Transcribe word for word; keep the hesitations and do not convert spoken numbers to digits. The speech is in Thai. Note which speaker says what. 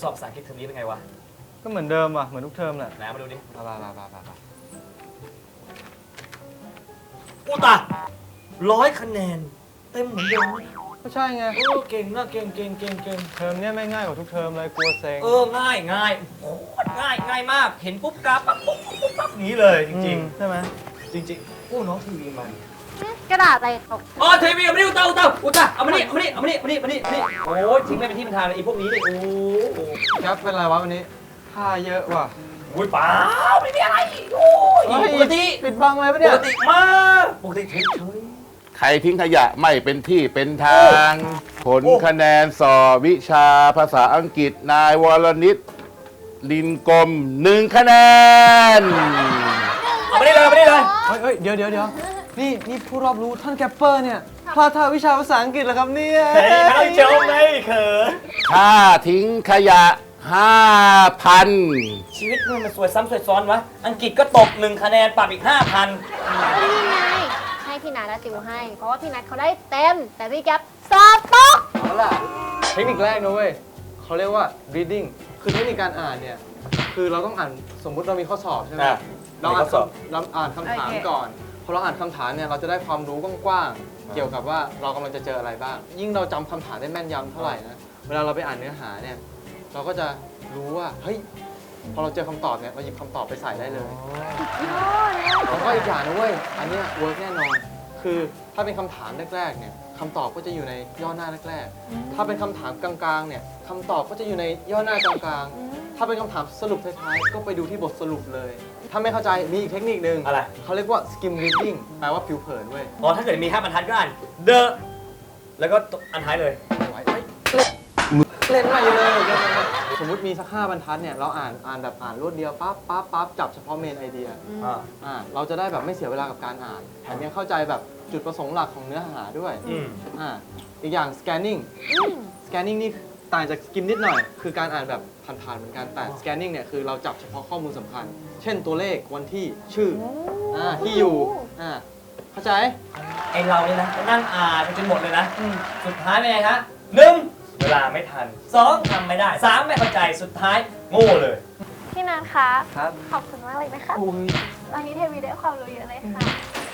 Speaker 1: สอบภาษาอังกฤษเทอมนี้เป็นไงวะ
Speaker 2: ก็เหมือนเดิมอ่ะเหมือนทุกเทอมแหละ
Speaker 1: ไหนมาดูดิ
Speaker 2: มามามามามา
Speaker 1: อุตะร้อยคะแนนเต็มเหมือนเดิม
Speaker 2: ก็ใช่ไง
Speaker 1: โอ้เก่งนะเก่งเก่งเก่งเก่ง
Speaker 2: เทอมเนี้ยไม่ง่ายกว่าทุกเทอมเลยกลัวเซ็ง
Speaker 1: เออง่ายง่ายโอ้ง่ายง่ายมากเห็นปุ๊บกราฟปั๊บปุ๊บปุ๊บปั๊บนี้เลยจริง
Speaker 2: ๆใช่ไหม
Speaker 1: จริงๆโอ้น้องทีวีมัน
Speaker 3: กระดาษอะไรตก
Speaker 1: อ๋อทีวีเอามานี่อุตะอุตะอุตะเอามานี่เอามานี่เอามานี่เอามานี่เอามานี่นี่โอ้ยทิ้งไม่เป็นที่เป็นทางเลยไอ้พวกนี้เลยโอ้โห
Speaker 2: แก๊ปเป็นไรวะวันนี้ท่าเยอะว่ะ
Speaker 1: อุ้ยเปล่าไม่มีอะไรโอ้ยปกติ
Speaker 2: ปิดบังเลยปะเนี่ย
Speaker 1: ปกติมากปกติเฉย
Speaker 4: ใครทิ้งขยะไม่เป็นที่เป็นทางผลคะแนนสอบวิชาภาษาอังกฤษนายวรนิตลินกลมหนึ่งคะแนน
Speaker 1: เอาไม่ได้เลยไม่ได้เลย
Speaker 2: เฮ้ยเฮ้ยเดี๋ยวเดี๋ยวเดี๋ยวนี่นี่ผู้รอบรู้ท่านแกปเปอร์เนี่ยพลาดท่าวิชาภาษาอังกฤษเหรอครับเนี่ย
Speaker 1: เฮ้ยไม่ต้องเจ้าไม่เขิน
Speaker 4: ถ้าทิ้งขยะห้าพัน
Speaker 1: ชีวิตมึงมันสวยซ้ำสวยซ้อนวะอังกฤษก็ตกหนึ่งคะแนนปรับอีกห้าพัน
Speaker 3: นี่ไงให้พี่นัทติวให้เพราะว่าพี่นัทเขาได้เต็มแต่พี่แก๊ปสอบตก
Speaker 2: เอาล่ะเทคนิคแรกนะเว้ยเขาเรียกว่า reading คือเทคนิคการอ่านเนี่ยคือเราต้องอ่านสมมุติเรามีข้อสอบใช่ไหมเราอ่านเราอ่านคำถามก่อนพอเราอ่านคำถามเนี่ยเราจะได้ความรู้กว้างๆเกี่ยวกับว่าเรากำลังจะเจออะไรบ้างยิ่งเราจำคำถามได้แม่นยำเท่าไหร่นะเวลาเราไปอ่านเนื้อหาเนี่ยเราก็จะรู้ว่าเฮ้ยพอเราเจอคำตอบเนี่ยเราหยิบคำตอบไปใส่ได้เลยแล้วก็อีกอย่างนะเว้ยอันนี้เวิร์กแน่นอนคือถ้าเป็นคำถามแรกๆเนี่ยคำตอบก็จะอยู่ในย่อหน้าแรกๆถ้าเป็นคำถามกลางๆเนี่ยคำตอบก็จะอยู่ในย่อหน้ากลางๆถ้าเป็นคำถามสรุปท้ายๆก็ไปดูที่บทสรุปเลยถ้าไม่เข้าใจมีอีกเทคนิคนึง
Speaker 1: อะไร
Speaker 2: เขาเรียกว่า skim reading แปลว่าผิวเผินเว้ย
Speaker 1: อ๋อถ้าเกิดมีห้าบรรทัดก็อ่าน the แล้วก็อันท้ายเลย
Speaker 2: เล่นใหม่เลยสมมติมีสักห้าบรรทัดเนี่ยเราอ่านอ่านแบบอ่านรวดเดียวปั๊บปั๊บปั๊บจับเฉพาะเมนไอเดียอ่าเราจะได้แบบไม่เสียเวลากับการอ่านแถมยังเข้าใจแบบจุดประสงค์หลักของเนื้อหาด้วยอ่าอีกอย่าง scanning scanning นี่ต่างจาก skim นิดหน่อยคือการอ่านแบบผ่านๆเหมือนกันแต่ scanning เนี่ยคือเราจับเฉพาะข้อมูลสำคัญเช่นตัวเลขวันที่ชื่ออ่าที่อยู่อ่าเข้าใจ
Speaker 1: ไอเราเนี่ยนะนั่งอ่านไปจนหมดเลยนะสุดท้ายเป็นไงฮะหนึ่งเวลาไม่ทันสองทำไม่ได้สามไม่เข้าใจสุดท้ายโง่เลย
Speaker 3: พี่นัทคะ
Speaker 2: ครับ
Speaker 3: ขอบคุณมากเลยนะคะวันนี้เทวีได้ความรู้เยอะเลยค่ะ